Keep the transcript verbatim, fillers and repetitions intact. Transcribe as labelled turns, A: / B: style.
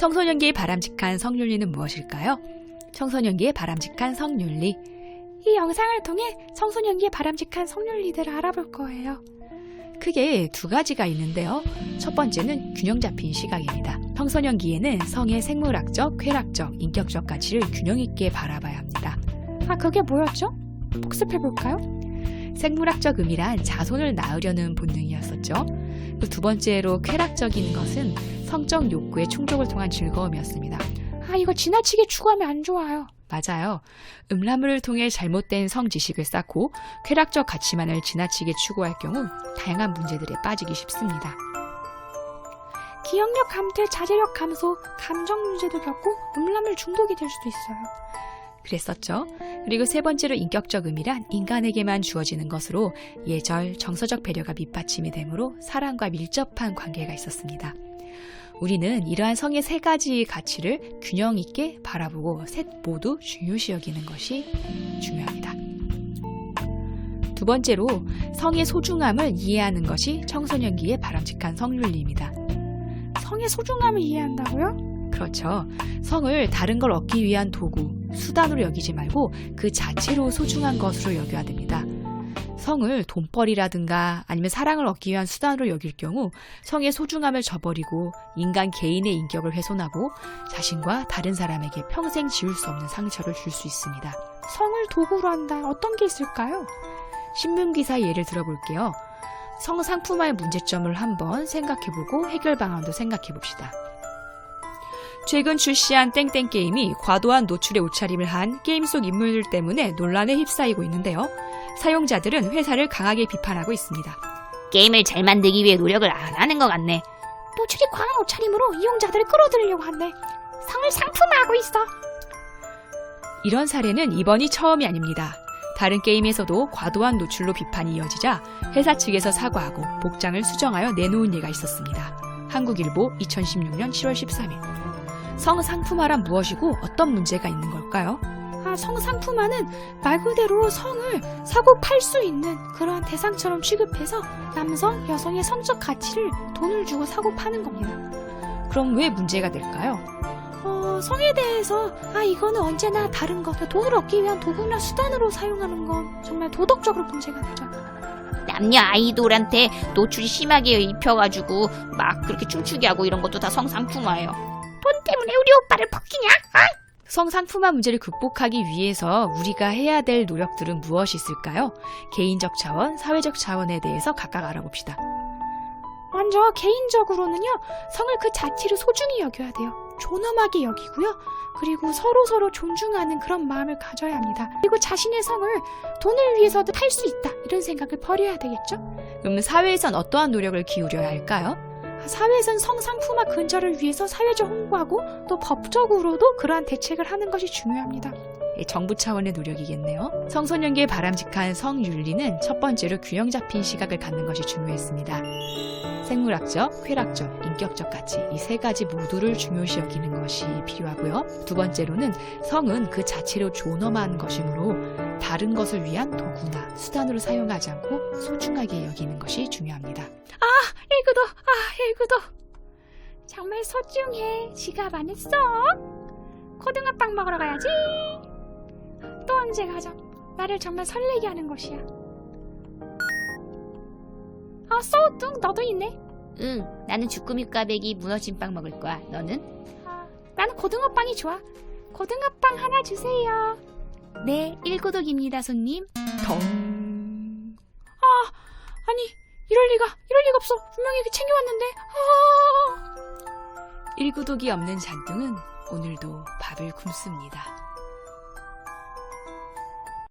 A: 청소년기의 바람직한 성윤리는 무엇일까요? 청소년기의 바람직한 성윤리.
B: 이 영상을 통해 청소년기의 바람직한 성윤리들을 알아볼 거예요.
A: 크게 두 가지가 있는데요. 첫 번째는 균형 잡힌 시각입니다. 청소년기에는 성의 생물학적, 쾌락적, 인격적 가치를 균형 있게 바라봐야 합니다.
B: 아, 그게 뭐였죠? 복습해볼까요?
A: 생물학적 의미란 자손을 낳으려는 본능이었었죠. 그 두 번째로 쾌락적인 것은 성적 욕구의 충족을 통한 즐거움이었습니다.
B: 아, 이거 지나치게 추구하면 안 좋아요.
A: 맞아요. 음란물을 통해 잘못된 성지식을 쌓고 쾌락적 가치만을 지나치게 추구할 경우 다양한 문제들에 빠지기 쉽습니다.
B: 기억력 감퇴, 자제력 감소, 감정 문제도 겪고 음란물 중독이 될 수도 있어요.
A: 그랬었죠. 그리고 세 번째로 인격적 의미란 인간에게만 주어지는 것으로 예절, 정서적 배려가 밑받침이 되므로 사랑과 밀접한 관계가 있었습니다. 우리는 이러한 성의 세 가지 가치를 균형 있게 바라보고 셋 모두 중요시 여기는 것이 중요합니다. 두 번째로 성의 소중함을 이해하는 것이 청소년기의 바람직한 성윤리입니다.
B: 성의 소중함을 이해한다고요?
A: 그렇죠. 성을 다른 걸 얻기 위한 도구, 수단으로 여기지 말고 그 자체로 소중한 것으로 여겨야 됩니다. 성을 돈벌이라든가 아니면 사랑을 얻기 위한 수단으로 여길 경우 성의 소중함을 저버리고 인간 개인의 인격을 훼손하고 자신과 다른 사람에게 평생 지울 수 없는 상처를 줄 수 있습니다.
B: 성을 도구로 한다. 어떤 게 있을까요?
A: 신문기사 예를 들어볼게요. 성상품화의 문제점을 한번 생각해보고 해결 방안도 생각해봅시다. 최근 출시한 땡땡 게임이 과도한 노출에 옷차림을 한 게임 속 인물들 때문에 논란에 휩싸이고 있는데요. 사용자들은 회사를 강하게 비판하고 있습니다.
C: 게임을 잘 만들기 위해 노력을 안 하는 것 같네.
B: 노출이 과한 옷차림으로 이용자들을 끌어들이려고 한대. 성을 상품화하고 있어.
A: 이런 사례는 이번이 처음이 아닙니다. 다른 게임에서도 과도한 노출로 비판이 이어지자 회사 측에서 사과하고 복장을 수정하여 내놓은 예가 있었습니다. 한국일보 이천십육 년 칠월 십삼일. 성상품화란 무엇이고 어떤 문제가 있는 걸까요?
B: 아, 성상품화는 말 그대로 성을 사고 팔 수 있는 그러한 대상처럼 취급해서 남성, 여성의 성적 가치를 돈을 주고 사고 파는 겁니다.
A: 그럼 왜 문제가 될까요?
B: 어, 성에 대해서 아 이거는 언제나 다른 것, 돈을 얻기 위한 도구나 수단으로 사용하는 건 정말 도덕적으로 문제가 되죠.
C: 남녀 아이돌한테 노출이 심하게 입혀가지고 막 그렇게 춤추게 하고 이런 것도 다 성상품화예요. 돈 때문에 우리 오빠를 벗기냐? 어?
A: 성상품화 문제를 극복하기 위해서 우리가 해야 될 노력들은 무엇이 있을까요? 개인적 차원, 사회적 차원에 대해서 각각 알아봅시다.
B: 먼저 개인적으로는요, 성을 그 자체를 소중히 여겨야 돼요. 존엄하게 여기고요. 그리고 서로 서로 존중하는 그런 마음을 가져야 합니다. 그리고 자신의 성을 돈을 위해서도 팔 수 있다, 이런 생각을 버려야 되겠죠?
A: 그럼 사회에선 어떠한 노력을 기울여야 할까요?
B: 사회에선 성상품화 근절을 위해서 사회적 홍보하고 또 법적으로도 그러한 대책을 하는 것이 중요합니다.
A: 정부 차원의 노력이겠네요. 청소년기의 바람직한 성윤리는 첫 번째로 균형 잡힌 시각을 갖는 것이 중요했습니다. 생물학적, 쾌락적, 인격적 가치 이 세 가지 모두를 중요시 여기는 것이 필요하고요. 두 번째로는 성은 그 자체로 존엄한 것이므로 다른 것을 위한 도구나 수단으로 사용하지 않고 소중하게 여기는 것이 중요합니다.
B: 아, 일구도, 아, 일구도. 정말 소중해. 지갑 안 했어? 고등어빵 먹으러 가야지. 또 언제 가죠? 나를 정말 설레게 하는 것이야. 아, 소우뚱 너도 있네.
C: 응, 나는 주꾸미 꽈배기 무너진 빵 먹을 거야. 너는?
B: 아, 나는 고등어빵이 좋아. 고등어빵 하나 주세요.
C: 네, 일고독입니다, 손님.
A: 덩.
B: 아, 아니 이럴 리가, 이럴 리가 없어. 분명히 챙겨왔는데. 아.
A: 일구독이 없는 잔뚱은 오늘도 밥을 굶습니다.